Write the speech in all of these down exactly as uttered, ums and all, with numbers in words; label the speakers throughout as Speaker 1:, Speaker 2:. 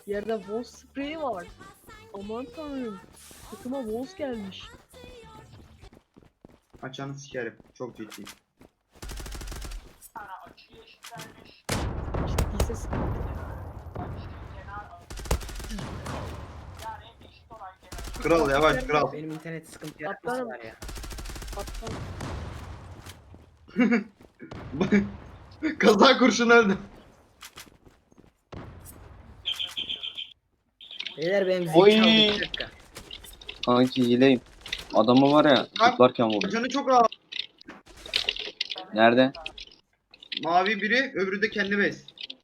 Speaker 1: Yerde Wolf spreyi var. Aman tanrım. Takıma Wolf gelmiş.
Speaker 2: Açanı sikerim. Çok ciddiyim.
Speaker 1: Ciddiyse sıkıntı.
Speaker 2: Kral yavaş kral.
Speaker 3: Benim internet sıkıntı yaratması
Speaker 1: Atlarım.
Speaker 3: var ya.
Speaker 1: Kaptan.
Speaker 2: Kaza kurşun öldü.
Speaker 3: Beyler benim
Speaker 4: Oy.
Speaker 3: zil çaldı bir dakika.
Speaker 4: Kanki hileyim. Adamı var ya zıplarken vurdu.
Speaker 2: Canı çok rahat.
Speaker 4: Nerede?
Speaker 2: Mavi biri, öbürü de kendi bez.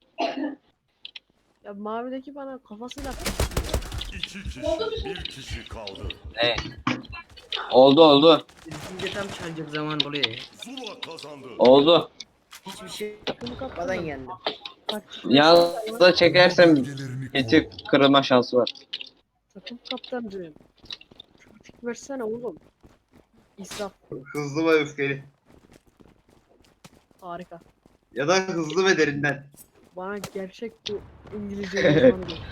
Speaker 1: Ya mavideki bana kafasıyla
Speaker 5: İki kişi, bir kişi kaldı.
Speaker 4: Ne? Oldu oldu.
Speaker 3: Şimdi tam çalacak zaman oluyor ya.
Speaker 5: Zula kazandı.
Speaker 4: Oldu.
Speaker 3: Hiçbir şey
Speaker 1: takımı
Speaker 3: yapmadan
Speaker 1: kaptan.
Speaker 3: yendim.
Speaker 4: Yalnız da çekersem geçip kırılma şansı var.
Speaker 1: Takım kaptancığım. Taktik versene oğlum. İsraf.
Speaker 2: Hızlı ve öfkeli.
Speaker 1: Harika.
Speaker 2: Ya da hızlı ve derinden.
Speaker 1: Bana gerçek bu İngilizce uzmanı geçmiş.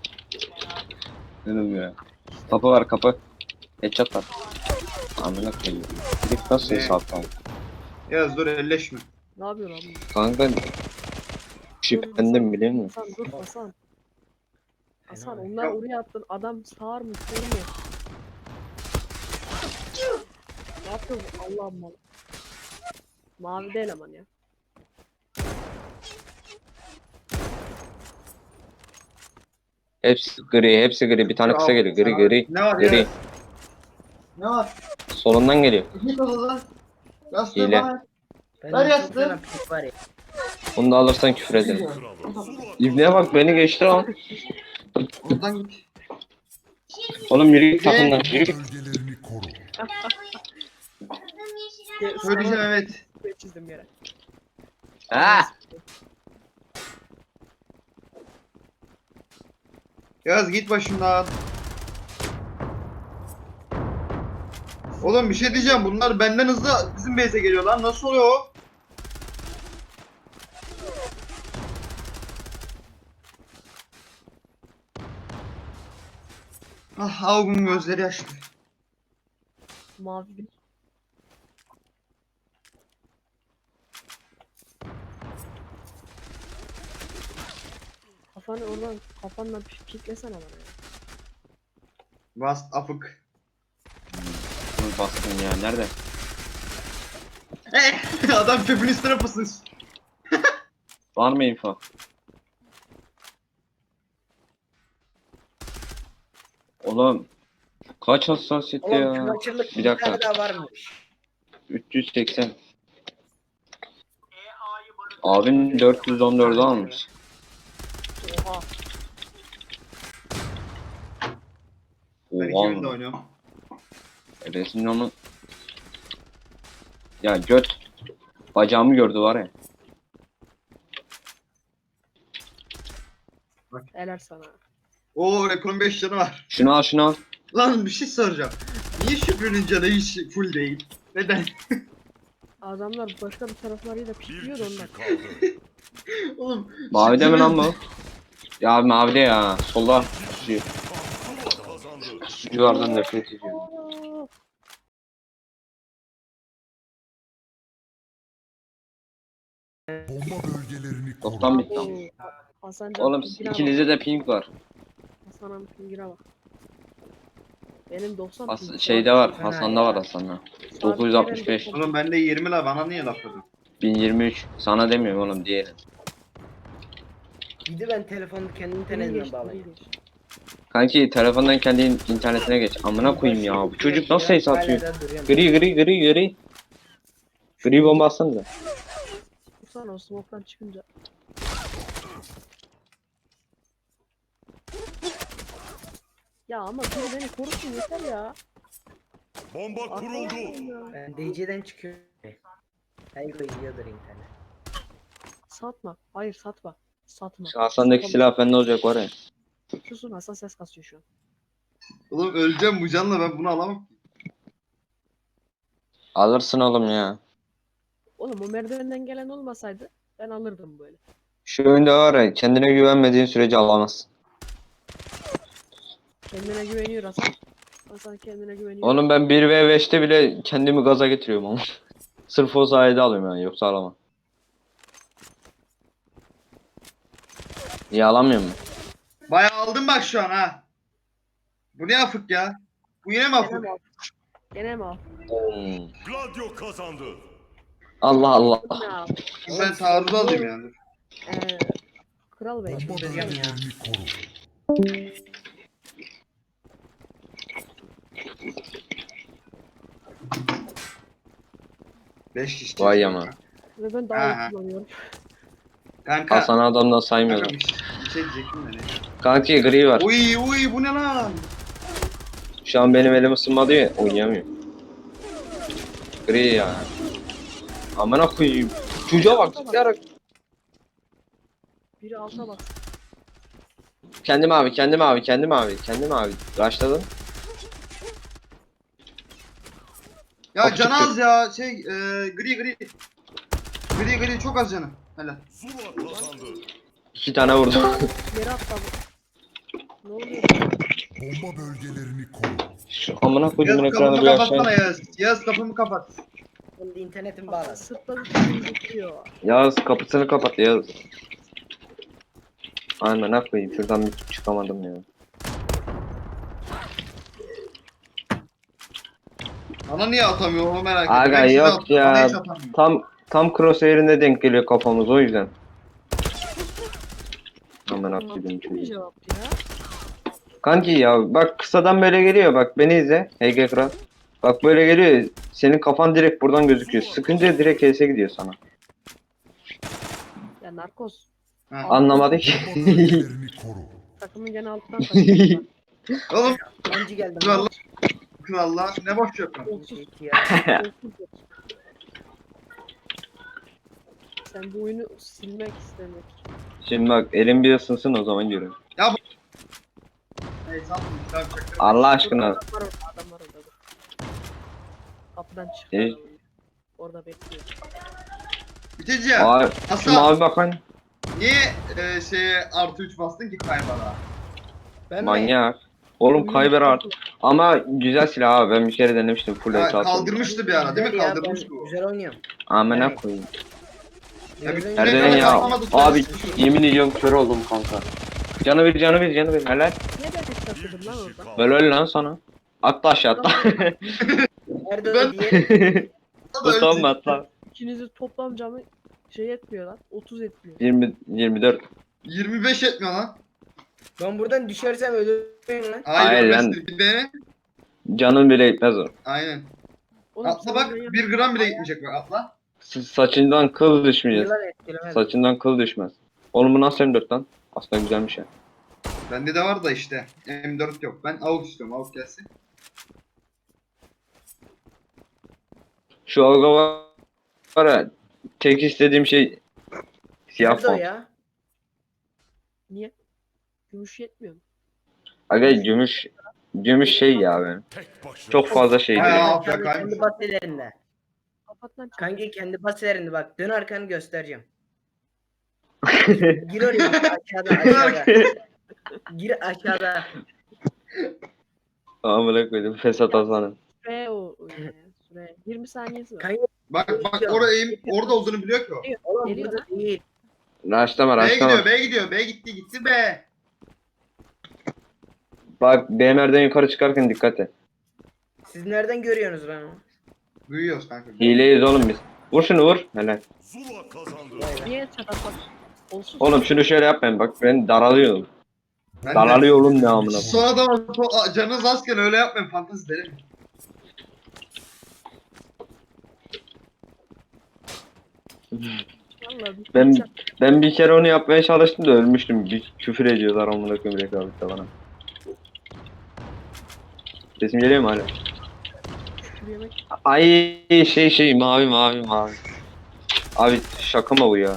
Speaker 4: Dedim ya. Kapı var kapı. Headshot var. Amına koyayım. Direkt nasıl
Speaker 2: Ne?
Speaker 4: hesap lan?
Speaker 2: Yaz dur elleşme.
Speaker 1: Ne yapıyorsun abi?
Speaker 4: Kanka şüphendim biliyor musun?
Speaker 1: Hasan dur Hasan. Hasan
Speaker 3: Fena.
Speaker 1: onlar oraya attın. Adam sağır mı sol mu? Ne yapıyor bu? Allah'ım mal. Mavi de eleman ya.
Speaker 4: Hepsi gri, hepsi gri. Bir tane kısa geliyor. Gri gri.
Speaker 2: Ne var
Speaker 4: Gri.
Speaker 2: ya? Ne var?
Speaker 4: Solundan geliyor.
Speaker 2: Git odadan. Yastığı
Speaker 4: Hile.
Speaker 2: bana.
Speaker 3: Ben
Speaker 2: Ver
Speaker 3: çok
Speaker 2: yastığı.
Speaker 3: fena pik var ya.
Speaker 4: Bunu da alırsan küfür ederim.
Speaker 5: Kralı. Zula
Speaker 4: İbneye bak beni geçti lan.
Speaker 2: Oradan git.
Speaker 4: Oğlum yürü git takımdan. Yürü git.
Speaker 5: bölgelerini koru.
Speaker 1: Ge-
Speaker 2: Söyleyeceğim
Speaker 1: sana
Speaker 2: evet.
Speaker 1: bir çizdim yere.
Speaker 4: Ha!
Speaker 2: Yaz git başımdan. Oğlum bir şey diyeceğim. Bunlar benden hızlı bizim base'e geliyor lan. Nasıl oluyor o? Ah Avgun gözleri yaşlı.
Speaker 1: Mavi bir. Kafanı oradan kafanla bir kitlesene bana ya.
Speaker 2: Bas afık.
Speaker 4: Dur bastın ya. Nerede?
Speaker 2: Adam çöpün üstüne pısmış.
Speaker 4: Var mı info? Oğlum kaç hassasiyet
Speaker 3: Oğlum
Speaker 4: ya?
Speaker 3: kıvaçırlık
Speaker 4: Bir
Speaker 3: bir
Speaker 4: dakika.
Speaker 3: tane daha varmış.
Speaker 4: üç yüz seksen. Abin dört yüz on dördü almış.
Speaker 1: Oha.
Speaker 2: Ben iki
Speaker 4: Oha.
Speaker 2: günde oynuyorum.
Speaker 4: Resim onu. Ya göt. Bacağımı gördü var ya.
Speaker 1: Helal sana.
Speaker 2: Oo Rekon'un beş canı var.
Speaker 4: Şunu al şunu al.
Speaker 2: Lan bir şey soracağım. Niye Şükrü'nün canı hiç full değil? Neden?
Speaker 1: Adamlar başka bir taraflarıyla
Speaker 5: Bir
Speaker 1: pikliyor da ondan.
Speaker 5: kişi kaldı.
Speaker 2: Oğlum.
Speaker 4: Mavide mi
Speaker 2: Şükrü'nün-
Speaker 4: lan bu? Ya abi mavide ya. Solda. Şu,
Speaker 5: Zula kazandı.
Speaker 4: suculardan nefret ediyorum.
Speaker 1: Aa,
Speaker 5: Bomba bölgelerini koru.
Speaker 4: Toptan bitti.
Speaker 1: oo. Hasan Can
Speaker 4: Oğlum
Speaker 1: pingine bak.
Speaker 4: ikinizde de ping var.
Speaker 1: Hasan'ın pingine bak. Benim doksan
Speaker 4: Has
Speaker 1: ping.
Speaker 4: şeyde var.
Speaker 3: Fena
Speaker 4: Hasan'da
Speaker 3: ya.
Speaker 4: var Hasan'da.
Speaker 1: Sabit
Speaker 4: dokuz yüz altmış beş.
Speaker 1: veren
Speaker 2: Oğlum bende yirmi la bana niye laf ediyorsun?
Speaker 4: bin yirmi üç. Sana demiyorum oğlum diğeri.
Speaker 3: Bir de ben telefonu kendi
Speaker 1: Ping
Speaker 3: internetimden
Speaker 1: geçti,
Speaker 3: bağlayayım.
Speaker 1: ping geçti.
Speaker 4: Kanki telefondan kendi in- internetine geç. Amına koyayım ya. Bu çocuk nasıl ses atıyor?
Speaker 3: Hala da duruyorum.
Speaker 4: Gri gri gri gri. Gri bomba atsanıza.
Speaker 1: Vursana o smoke'tan çıkınca. Ya ama biri beni korusun yeter ya.
Speaker 5: Bomba kuruldu.
Speaker 1: Arkadaşım ya.
Speaker 3: Ben D C'den çıkıyorum. Hayır yiyordur internet.
Speaker 1: Satma. Hayır satma. Satma.
Speaker 4: Şu Hasan'daki
Speaker 1: Satma.
Speaker 4: silah bende olacak var ya.
Speaker 1: Susun Hasan ses kasıyor şu an.
Speaker 2: Oğlum öleceğim bu canla ben bunu alamam.
Speaker 4: Alırsın oğlum ya.
Speaker 1: Oğlum o merdivenden gelen olmasaydı ben alırdım böyle.
Speaker 4: Şu oyunda var ya kendine güvenmediğin sürece alamazsın.
Speaker 1: Kendine güveniyor Hasan. Hasan kendine güveniyor.
Speaker 4: Oğlum ben bir ve beşte bile kendimi gaza getiriyorum ama. Sırf o sayede alıyorum yani yoksa alamam. İyi alamıyor mu?
Speaker 2: Bayağı aldım bak şu an ha. Bu ne afık ya? Bu yine mi
Speaker 1: Gene
Speaker 2: afık?
Speaker 1: mi al? Gene mi al?
Speaker 4: Hmm.
Speaker 5: Gladio kazandı.
Speaker 4: Allah Allah.
Speaker 1: Ne al?
Speaker 2: Ben taarruz alayım yani.
Speaker 1: Ee, Kral Bey.
Speaker 5: Bomba
Speaker 3: Çıldıracağım ya.
Speaker 5: bölgelerini koru.
Speaker 2: Beş kişi.
Speaker 4: Vay ama.
Speaker 1: Ve ben
Speaker 2: Ha,
Speaker 1: daha
Speaker 2: ha.
Speaker 1: iyi kullanıyorum.
Speaker 2: Kanka.
Speaker 4: Hasan adamdan
Speaker 2: Kanka
Speaker 4: saymıyorum.
Speaker 2: bir şey, bir şey diyecektim de ne?
Speaker 4: Kanki gri var.
Speaker 2: Uy uy bu ne lan?
Speaker 4: Şu an benim elim ısınmadı ya oynayamıyorum. Gri ya. Amına koyayım. Çocuğa bak zıplayarak.
Speaker 1: Biri alta bak.
Speaker 4: Kendim abi, kendim abi, kendim abi, kendim abi. Başladın.
Speaker 2: Ya
Speaker 4: Kapı
Speaker 2: can
Speaker 4: çıktı.
Speaker 2: az ya şey e, gri gri. Gri gri çok az canı. Hele.
Speaker 5: Zula kazandı.
Speaker 4: İki tane vurdum.
Speaker 1: Yere atladı. Ne oluyor?
Speaker 5: Bomba bölgelerini koru.
Speaker 4: Şu amına koyduğumun
Speaker 2: Yaz
Speaker 4: ekranı
Speaker 2: kapımı
Speaker 4: bir
Speaker 2: kapatsana
Speaker 4: aşağı.
Speaker 2: Yaz. Yaz kapımı kapat.
Speaker 3: Şimdi internetim
Speaker 1: Hasan
Speaker 3: bağladı.
Speaker 1: sırtladı kendini tutuyor.
Speaker 4: Yaz kapısını kapat Yaz. Amına koyayım şuradan bir çıkamadım ya.
Speaker 2: Bana niye atamıyor onu merak ettim.
Speaker 4: Aga
Speaker 2: Ben size
Speaker 4: yok
Speaker 2: attım,
Speaker 4: ya.
Speaker 2: bana hiç atamıyor.
Speaker 4: Tam tam crosshair'ine denk geliyor kafamız o yüzden. Amına koyduğum
Speaker 1: Bir
Speaker 4: çocuğu.
Speaker 1: cevaptı ya.
Speaker 4: Kanki ya bak kısadan böyle geliyor bak beni izle H G Kral. Bak böyle geliyor senin kafan direkt buradan gözüküyor. Sıkınca direkt H S'e gidiyor sana.
Speaker 1: Ya narkoz.
Speaker 2: Ha.
Speaker 4: Anlamadı ki.
Speaker 5: Bomba bölgelerini koru.
Speaker 1: Takımın gene alttan kaçıyor.
Speaker 2: Oğlum
Speaker 3: Önce geldim.
Speaker 2: krallar. Krallar ne boş yapıyorsun?
Speaker 1: Olsuz.
Speaker 3: İki ya.
Speaker 1: Olsuz. Sen bu oyunu silmek istemek.
Speaker 4: Şimdi bak elim bir ısınsın o zaman görün.
Speaker 2: Hey sandım. Tamam şaka.
Speaker 4: Allah aşkına.
Speaker 1: Adam var orada, adam var orada. dur. Kapıdan çıktı.
Speaker 4: İyi.
Speaker 1: adam. Orada bekliyor.
Speaker 2: Biteceğim.
Speaker 4: Abi şu
Speaker 2: Hasan
Speaker 4: mavi bakan
Speaker 2: niye e, şeye artı üç bastın ki kaybara?
Speaker 3: Ben mi?
Speaker 4: manyak. Oğlum kayber art. Ama güzel silah abi ben bir kere denemiştim full
Speaker 2: Ha,
Speaker 4: headshot.
Speaker 2: kaldırmıştı bir ara değil mi?
Speaker 3: Güzel ya,
Speaker 2: Kaldırmıştı
Speaker 3: ben
Speaker 2: bu.
Speaker 3: Güzel oynuyorum.
Speaker 4: Amına
Speaker 3: Evet.
Speaker 4: koyayım.
Speaker 2: Ya bir-
Speaker 3: Nereden
Speaker 2: Nereden
Speaker 4: Nereden ya?
Speaker 2: kaplamadık
Speaker 4: Abi
Speaker 2: ya.
Speaker 4: yemin ediyorum kör oldum kanka. Canı bir canı bir canı bir helal.
Speaker 1: Niye ben tek taşıdım lan orada?
Speaker 4: Böyle öyle lan sana. Atla aşağı atla.
Speaker 3: Nerede
Speaker 2: Ben-
Speaker 3: o diğeri?
Speaker 4: Utanma atla.
Speaker 1: İkinizi toplam camı şey etmiyor lan. otuz etmiyor.
Speaker 4: yirmi yirmi dört.
Speaker 2: yirmi beş etmiyor lan.
Speaker 3: Ben buradan düşersem ölürüm lan.
Speaker 2: Hayır,
Speaker 4: Hayır
Speaker 2: ölmez.
Speaker 4: lan.
Speaker 2: Bir de
Speaker 4: Canın bile gitmez o.
Speaker 2: aynen.
Speaker 1: Oğlum,
Speaker 2: Atla
Speaker 1: sen
Speaker 2: bak
Speaker 1: ben
Speaker 2: bir gram bile gitmeyecek bak atla.
Speaker 4: S- Saçından kıl düşmeyecek.
Speaker 3: Yılan etkilemez.
Speaker 4: Saçından kıl düşmez. Oğlum bu nasıl M dört lan? Aslında güzelmiş ya.
Speaker 2: Bende de var da işte M dört yok. Ben A U K istiyorum. A U K gelsin.
Speaker 4: Şu alga var var ya. Tek istediğim şey siyah
Speaker 3: Nerede o
Speaker 4: font.
Speaker 3: ya?
Speaker 1: Niye? Gümüş yetmiyor mu?
Speaker 4: Aga gümüş gümüş şey ya benim.
Speaker 5: Tek başına.
Speaker 4: Çok fazla şey
Speaker 2: Ha,
Speaker 4: değil.
Speaker 2: ya.
Speaker 3: Kendi, kendi,
Speaker 2: kaymış.
Speaker 3: kendi baselerinde.
Speaker 1: Kapat lan.
Speaker 3: Kanki kendi baselerinde bak. Dön arkanı göstereceğim. Gir oraya aşağıda aşağıda. Gir aşağıda.
Speaker 4: Amına koydum Fesat Hasan'ın.
Speaker 1: Süre o. e, Süre. yirmi saniyesi var.
Speaker 3: Kanki
Speaker 2: Bak bak orada eğim, orada olduğunu biliyor ki o.
Speaker 3: oğlum
Speaker 1: Geliyor
Speaker 3: burada değil.
Speaker 4: Raşlama
Speaker 2: B'ye
Speaker 4: raşlama.
Speaker 2: gidiyor, B'ye gidiyor, B'ye gitti, gitti B.
Speaker 4: Bak B M R'den yukarı çıkarken dikkat et.
Speaker 3: Siz nereden görüyorsunuz lan onu?
Speaker 2: Duyuyoruz kanka.
Speaker 4: Hileyiz oğlum biz. Vur şunu vur. Helal.
Speaker 5: Zula kazandı.
Speaker 3: Vay be.
Speaker 1: Niye çatak bak? Olsuz.
Speaker 4: Oğlum şunu şöyle yapmayın bak ben daralıyorum.
Speaker 2: Ben de-
Speaker 4: Daralıyor oğlum ne amına. koyayım.
Speaker 2: Sonra da so- canınız azken öyle yapmayın fantezi derim.
Speaker 1: Vallahi bir
Speaker 4: Ben
Speaker 1: çat-
Speaker 4: ben bir kere onu yapmaya çalıştım da ölmüştüm. Bir küfür ediyorlar amına koyayım rekabette bana. Sesim geliyor mu hala?
Speaker 1: küfür yemek.
Speaker 4: Ay şey şey mavi mavi mavi. Abi şaka mı bu ya?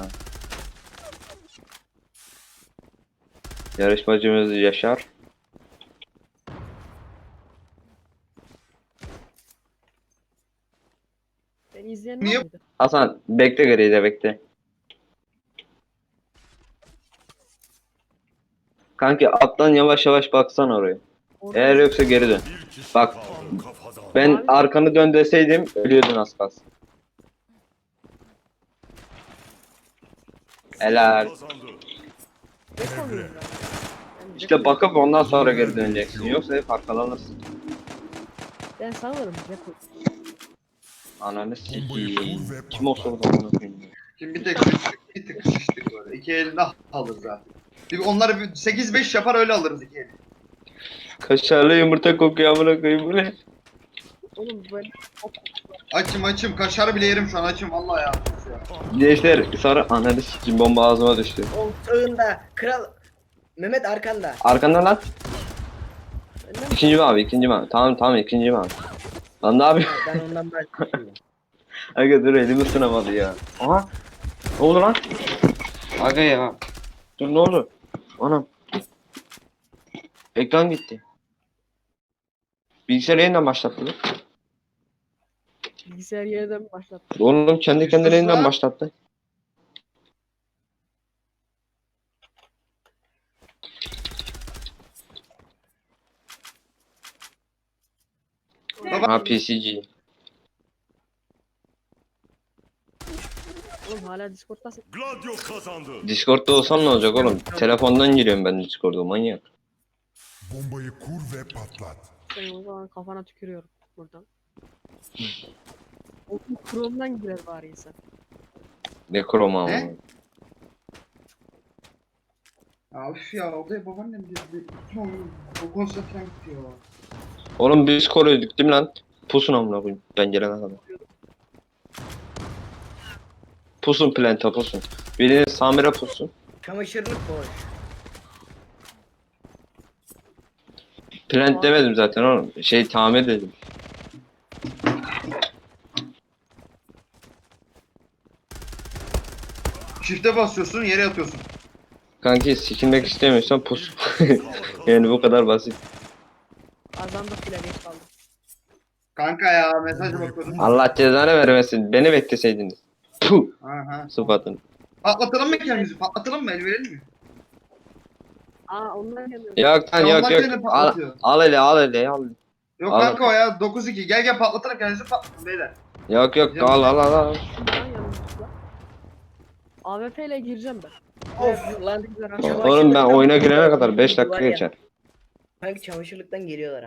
Speaker 4: Yarışmacımız Yaşar.
Speaker 1: Beni izleyen
Speaker 2: Niye-
Speaker 1: var mıydı?
Speaker 4: Hasan bekle gri'de bekle. Kanki alttan yavaş yavaş baksan oraya.
Speaker 1: Orada
Speaker 4: Eğer yoksa geri dön.
Speaker 5: Bir kişi
Speaker 4: Bak.
Speaker 5: kaldı. Kafadan.
Speaker 4: Ben arkanı dön deseydim ölüyordun az kalsın. Helal.
Speaker 5: Kazandı.
Speaker 1: ne kalıyor ya? Ben
Speaker 4: İşte
Speaker 1: Deko-
Speaker 4: bakıp ondan sonra geri döneceksin. Yoksa hep arkalanırsın.
Speaker 1: Ben sanırım Deko.
Speaker 4: Ananı sikiyim.
Speaker 5: kur ve
Speaker 4: Kim olsa o da amına koyayım.
Speaker 2: Şimdi bir tek sıçtık, bir tık sıçtık böyle. İki elinde alırız zaten. Bir onları bir sekiz beş yapar öyle alırız iki eli.
Speaker 4: Kaşarlı yumurta kokuyor amına koyayım bu ne?
Speaker 1: Oğlum ben
Speaker 2: Açım açım kaşar bile yerim şu an açım vallahi ya.
Speaker 4: Gençler sonra ananı sikiyim bomba ağzıma düştü.
Speaker 3: O sağında kral. Mehmet arkanda.
Speaker 4: Arkandan lan.
Speaker 1: benden mi?
Speaker 4: İkinci mi abi ikinci mi abi? Tamam tamam ikinci mi abi? Lan ne yapıyorsun?
Speaker 3: Ben ondan başlıyorum.
Speaker 4: Aga dur elimi ısınamadı ya. Aha. Ne oldu lan? Aga ya. Dur ne oldu? Anam. Ekran gitti. Bilgisayarı yeniden başlattı lan.
Speaker 1: Bilgisayar yeniden mi başlattı?
Speaker 4: Oğlum kendi kendine
Speaker 2: Sus
Speaker 4: yeniden
Speaker 2: lan.
Speaker 4: başlattı.
Speaker 2: Baba
Speaker 4: Ha P C G.
Speaker 1: Oğlum hala Discord'tasın.
Speaker 5: Gladio kazandı.
Speaker 4: Discord'da olsam ne olacak oğlum? Telefondan giriyorum ben Discord'a manyak.
Speaker 5: Bombayı kur ve patlat.
Speaker 1: Senin o zaman kafana tükürüyorum buradan. Oğlum Chrome'dan girer bari insan.
Speaker 4: Ne kroma
Speaker 2: Ne?
Speaker 4: ama.
Speaker 2: Ya üf ya odaya babaannem girdi. Ne oldu? O konsantre gitti ya.
Speaker 4: Oğlum biz koruyorduk değil mi lan? Pusun amına koyayım ben gelene kadar. Pusun planta pusun. Birinin Samir'e pusun.
Speaker 3: Çamaşırlık boş.
Speaker 4: Plant demedim zaten oğlum. Şey tamir dedim.
Speaker 2: Shift'e basıyorsun yere yatıyorsun.
Speaker 4: Kanki sikilmek istemiyorsan pus. Yani bu kadar basit.
Speaker 1: Kazandık bile geç kaldık.
Speaker 2: Kanka ya mesaj bakıyordum.
Speaker 4: Allah cezanı vermesin. Beni bekleseydiniz. Puh.
Speaker 2: Aha.
Speaker 4: Sıfatın.
Speaker 2: Patlatalım mı kendimizi? Patlatalım mı? El verelim mi?
Speaker 1: Aa ondan geliyor.
Speaker 4: Yok lan
Speaker 2: Ya
Speaker 4: yok
Speaker 2: onlar
Speaker 4: yok.
Speaker 2: gene
Speaker 4: Al,
Speaker 2: patlatıyor.
Speaker 4: al hele al hele al.
Speaker 2: Yok
Speaker 4: Al.
Speaker 2: kanka o ya dokuz iki. Gel gel patlatalım kendimizi patlatalım beyler.
Speaker 4: Yok yok al al al al.
Speaker 1: Şuradan yanımızda. A W P ile gireceğim ben.
Speaker 3: Of lan.
Speaker 1: Çamaşırlıktan-
Speaker 4: Oğlum ben oyuna girene kadar beş dakika geçer.
Speaker 3: Sanki çamaşırlıktan geliyorlar ha.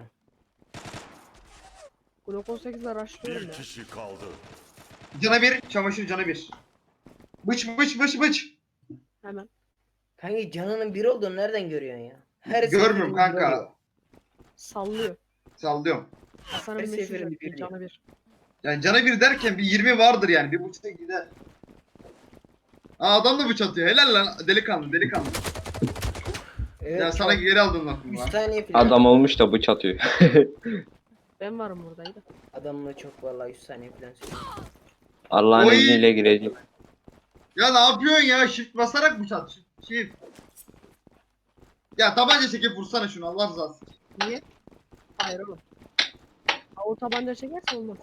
Speaker 1: Glock on sekizle rushlıyorum
Speaker 5: Bir
Speaker 1: ya.
Speaker 5: kişi kaldı.
Speaker 2: Cana bir, çamaşır cana bir. Bıç bıç bıç bıç.
Speaker 1: Hemen.
Speaker 3: Kanki canının bir olduğunu nereden görüyorsun ya? Her
Speaker 2: Görmüyorum
Speaker 3: seferinde
Speaker 2: kanka.
Speaker 3: görüyor.
Speaker 1: Sallıyor.
Speaker 2: Sallıyorum.
Speaker 1: Hasan'ın
Speaker 3: Her
Speaker 1: meşhur
Speaker 3: seferinde
Speaker 1: yaptığı
Speaker 3: bir
Speaker 1: canı bir.
Speaker 2: Yani cana bir derken bir yirmi vardır yani. Bir buçukta gider. Aa adam da bıç atıyor. Helal lan delikanlı delikanlı.
Speaker 3: Evet,
Speaker 2: Ya sana
Speaker 3: çok-
Speaker 2: geri aldım lafımı
Speaker 3: üç
Speaker 2: lan.
Speaker 3: saniye falan.
Speaker 4: Adam olmuş da bıç atıyor.
Speaker 1: Ben varım buradaydı.
Speaker 3: Adamla çok vallahi üç saniye falan söylüyor.
Speaker 4: Allah'ın
Speaker 2: Oy.
Speaker 4: izniyle girecek.
Speaker 2: Ya ne yapıyorsun ya? Shift basarak bıç at. Shift. Ya tabanca çekip vursana şunu Allah rızası için.
Speaker 1: Niye? Hayır oğlum. Ha, o tabanca çekerse olmaz.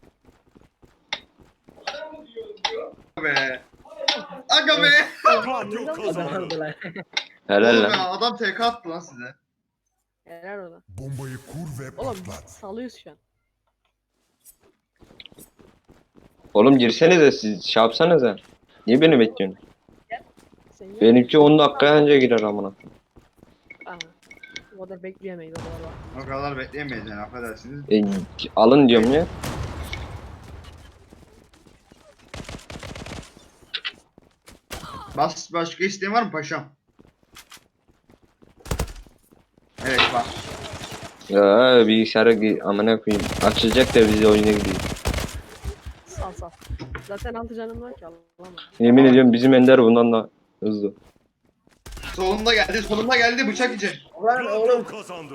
Speaker 2: Be. Aga be.
Speaker 5: Gladio
Speaker 3: Adam
Speaker 5: kazandı.
Speaker 3: aldılar.
Speaker 4: Helal
Speaker 2: Oğlum
Speaker 4: lan.
Speaker 2: ya adam T K attı lan size.
Speaker 1: Helal ona.
Speaker 5: Bombayı kur ve
Speaker 1: Oğlum biz
Speaker 5: patlat.
Speaker 1: salıyoruz şu an.
Speaker 4: Oğlum girsenize siz şey yapsanıza. Niye beni bekliyorsun?
Speaker 1: Sen gel.
Speaker 4: Benimki on dakika önce girer amına.
Speaker 1: Aha. O kadar bekleyemeyiz o kadar var.
Speaker 2: O kadar bekleyemeyiz yani affedersiniz.
Speaker 4: E, alın diyorum ya.
Speaker 2: Bas başka isteğin var mı paşam? Evet var.
Speaker 4: Ya bilgisayara gi- amına koyayım. Açılacak da biz de oyuna gidiyoruz.
Speaker 1: Sal sal. Zaten altı canım var ki Allah'ım.
Speaker 4: Yemin ediyorum bizim Ender bundan da hızlı.
Speaker 2: Solunda geldi solunda geldi bıçak yiyecek.
Speaker 3: Ulan
Speaker 5: Gladio
Speaker 3: oğlum.
Speaker 5: kazandı.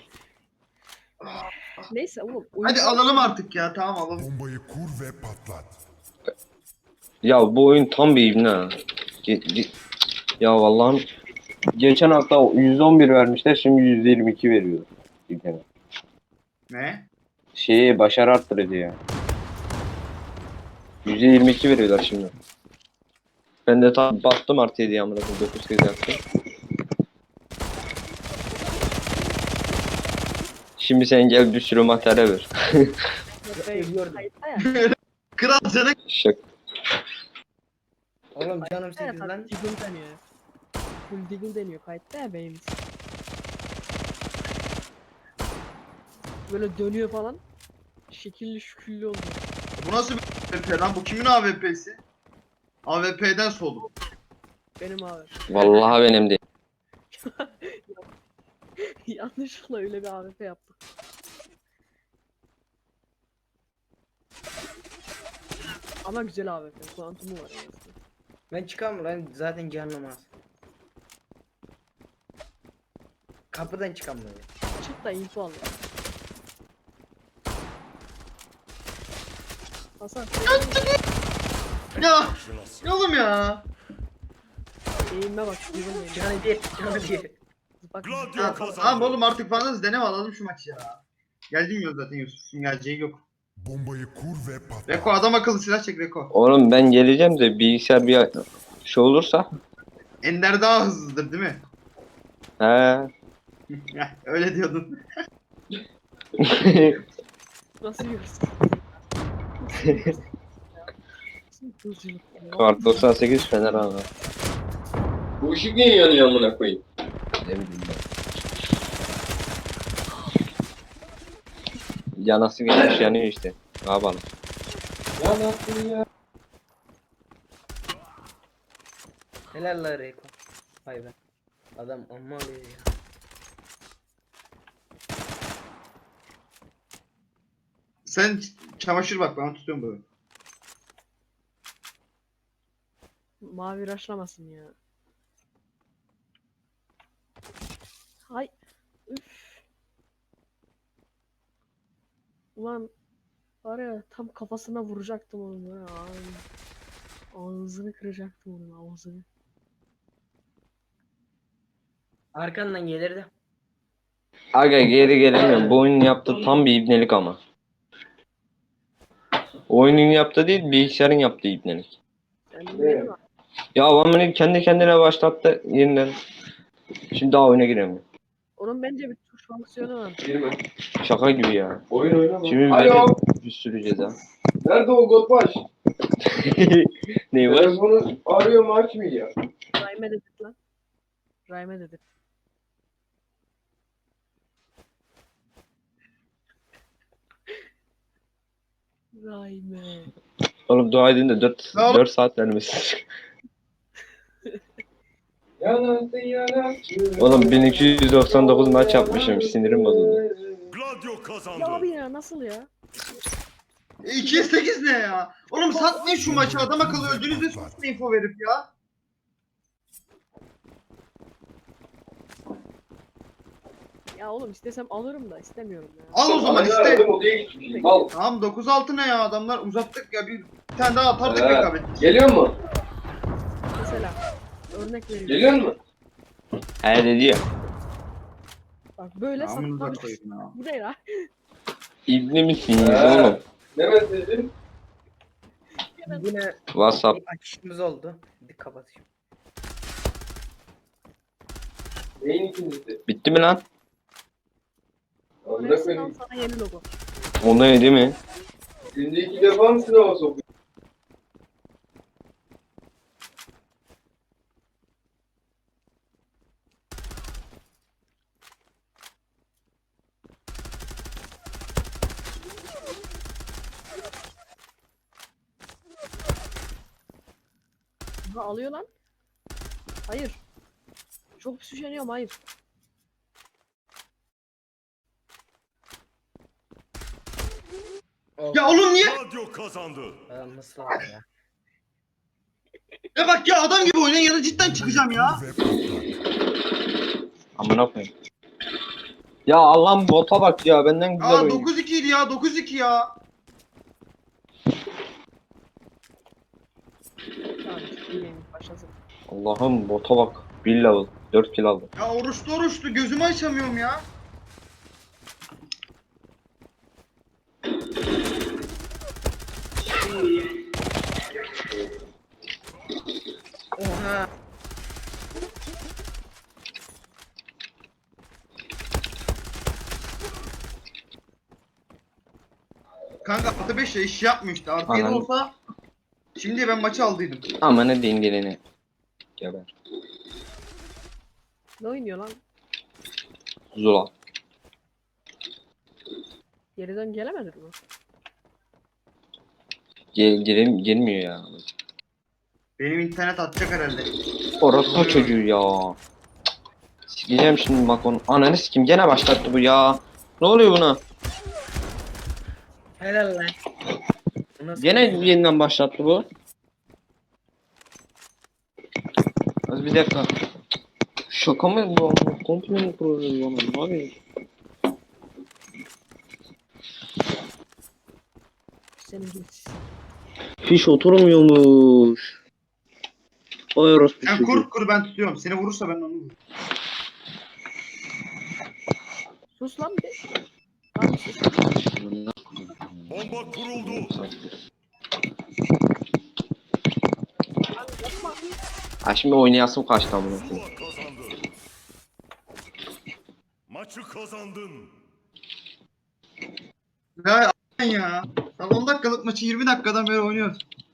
Speaker 1: Neyse oğlum.
Speaker 2: Hadi
Speaker 1: oyun-
Speaker 2: alalım artık ya tamam alalım.
Speaker 5: Bombayı kur ve patlat.
Speaker 4: Ya bu oyun tam bir ibne ha. Ge- ge- Ya vallahi geçen hafta yüz on bir vermişler şimdi yüz yirmi iki veriyor. İbne.
Speaker 2: Ne?
Speaker 4: Şeyi başarı arttırıcı ya. yüz yirmi iki veriyorlar şimdi. Ben de tam bastım artı yedi amına koyayım dokuz kez yaptım. Şimdi sen gel bir sürü materyal ver.
Speaker 3: Ölüyordum.
Speaker 1: Kayıtta ya.
Speaker 2: Kral canı.
Speaker 4: Şak.
Speaker 3: Oğlum canım
Speaker 1: Kayıtta ya,
Speaker 3: sekiz
Speaker 1: tabii
Speaker 3: lan.
Speaker 1: Diggle deniyor. Full Diggle deniyor kayıtta ya benim. Böyle dönüyor falan. Şekilli şüküllü oluyor.
Speaker 2: Bu nasıl bir A W P lan? Bu kimin A W P'si? A W P'den soğudum.
Speaker 1: Benim abi.
Speaker 4: Vallahi benim değil.
Speaker 1: Yanlışlıkla öyle bir A W P yaptık. Ama güzel A W P. Kuantumu var en azından.
Speaker 3: Ben çıkamam lan zaten canım az. Kapıdan çıkamıyorum.
Speaker 1: Çık da info al ya. Hasan
Speaker 2: Ya. Ya oğlum ya.
Speaker 1: eğilme bak. Diggle eğilme.
Speaker 3: Canı bir, canı bir.
Speaker 1: Bak
Speaker 5: Gladio
Speaker 2: Ya
Speaker 5: kazandı.
Speaker 2: tamam oğlum artık fazla deneme alalım şu maçı ya. Geldim yok zaten Yusuf'un geleceği yok.
Speaker 5: Bombayı kur ve patlat.
Speaker 2: Reko adam akıllı silah çek Reko.
Speaker 4: Oğlum ben geleceğim de bilgisayar bir şey olursa.
Speaker 2: Ender daha hızlıdır değil mi?
Speaker 4: He.
Speaker 2: Heh, öyle diyordun.
Speaker 1: nasıl yürürsün? Nasıl yürürsün? Nasıl hızlılık ya?
Speaker 4: Kart doksan sekiz Fener abi. Bu ışık niye yanıyor amına koyayım? Ne bileyim ben. Yanası gelmiş yanıyor işte. Ne yapalım?
Speaker 3: Helal la Reko. Vay be. Adam amma alıyor ya.
Speaker 2: Sen ç- çamaşır bak ben tutuyorum böyle.
Speaker 1: Mavi raşlamasın ya. Hay. Üf. Ulan var ya tam kafasına vuracaktım onu ya. Ağzını kıracaktım onun ağzını.
Speaker 3: Arkandan gelirdi.
Speaker 4: Aga geri gelemiyorum. Bu oyunun yaptığı tam bir ibnelik ama. Oyunun yaptığı değil bilgisayarın yaptığı ibnelik.
Speaker 1: Sen bilmiyorum ama
Speaker 4: Ya adam beni kendi kendine başlattı yeniden. Şimdi daha oyuna giremiyorum.
Speaker 1: onun bence bir tuş fonksiyonu var.
Speaker 4: Şaka gibi ya.
Speaker 6: Oyun oynama.
Speaker 4: Şimdi
Speaker 6: Alo.
Speaker 4: bir sürü ceza.
Speaker 6: Nerede o Godbaş?
Speaker 4: Ne var?
Speaker 6: Telefonu arıyor mu açmıyor.
Speaker 1: Rhyme dedik lan. Rhyme dedik. Rhyme.
Speaker 4: Oğlum dua edin de dört,
Speaker 2: Ne oğlum?
Speaker 4: dört saat vermesin.
Speaker 6: Yanarsın yanarsın.
Speaker 4: Oğlum bin iki yüz doksan dokuz maç yapmışım. Sinirim bozuldu.
Speaker 5: Gladio kazandı.
Speaker 1: Ya abi ya nasıl ya?
Speaker 2: E, ikiye sekiz ne ya? Oğlum satmayın şu maçı adam akıllı öldüğünüzde sus info verip ya.
Speaker 1: Ya oğlum istesem alırım da istemiyorum ya.
Speaker 2: Al o zaman
Speaker 6: Hadi
Speaker 2: iste.
Speaker 6: aradım, odaya gitmişim. Al.
Speaker 2: Tamam dokuz altı ne ya adamlar uzattık ya bir, bir tane daha atardık
Speaker 6: He.
Speaker 2: rekabet.
Speaker 6: Geliyor mu?
Speaker 1: Mesela örnek vereyim.
Speaker 6: Geliyor mu?
Speaker 4: He dedi ya.
Speaker 1: Bak böyle
Speaker 2: Namınıza
Speaker 1: satmak.
Speaker 2: koyayım ya.
Speaker 1: Bu ne ya?
Speaker 4: İbni misiniz
Speaker 6: He.
Speaker 4: oğlum?
Speaker 6: Ne mesajın?
Speaker 3: Yine
Speaker 4: WhatsApp.
Speaker 3: bir açışımız oldu. Bir kapatayım.
Speaker 6: Neyin ikincisi?
Speaker 4: Bitti mi lan?
Speaker 6: Amına
Speaker 1: Resmen
Speaker 6: koyayım.
Speaker 1: sana yeni logo.
Speaker 4: O ne değil mi?
Speaker 6: Günde iki defa mı sınava sokuyor?
Speaker 1: Ha alıyor lan. Hayır. Çok süsleniyorum hayır.
Speaker 3: Oh,
Speaker 2: Ya oğlum niye?
Speaker 5: Gladio kazandı.
Speaker 3: adam nasıl aldı ya?
Speaker 2: Ya bak ya adam gibi oynayın ya da cidden çıkacağım ya.
Speaker 5: Kur ve patlat.
Speaker 4: Amına koyayım. Ya Allah'ım bota bak ya benden güzel
Speaker 2: Aa
Speaker 4: oynuyor.
Speaker 2: dokuz iki idi ya dokuz iki ya.
Speaker 1: Tamam. İyiyim başlasın.
Speaker 4: Allah'ım bota bak. Bir level. dört kill aldım.
Speaker 2: Ya oruçlu oruçlu gözümü açamıyorum ya.
Speaker 3: Oha.
Speaker 2: Kanka artı beş ya iş yapmıyor işte. Artı yedi
Speaker 4: Anladım.
Speaker 2: olsa şimdi ben maçı aldıydım.
Speaker 4: Ama ne dingeleni. Geber.
Speaker 1: Ne oynuyor lan?
Speaker 4: Zula.
Speaker 1: Geriden gelemedi mi?
Speaker 4: Gel, gelem, gelmiyor ya.
Speaker 2: Benim internet atacak herhalde.
Speaker 4: Orospu çocuğu ya. Sikeceğim şimdi bak onu. Ananı sikim gene başlattı bu ya. Ne oluyor buna?
Speaker 3: Helal lan. Bu nasıl
Speaker 4: Gene
Speaker 3: oyun?
Speaker 4: yeniden başlattı bu. Az bir dakika. Şaka mı bu? Komple mi kuruyoruz bana? Abi.
Speaker 1: Senin git.
Speaker 4: Fiş oturmuyormuş. Ay orospu
Speaker 2: Sen
Speaker 4: çocuğu.
Speaker 2: kur kur ben tutuyorum. Seni vurursa ben onu vururum.
Speaker 1: Sus lan bir. Lan sus.
Speaker 5: Bomba kuruldu.
Speaker 1: Lan yapma.
Speaker 4: Ha şimdi oynayasım kaçtı amına koyayım.
Speaker 5: Zula kazandı. Maçı kazandın.
Speaker 2: Ya a**ın ya. Sen on dakikalık maçı yirmi dakikadan beri oynuyorsun.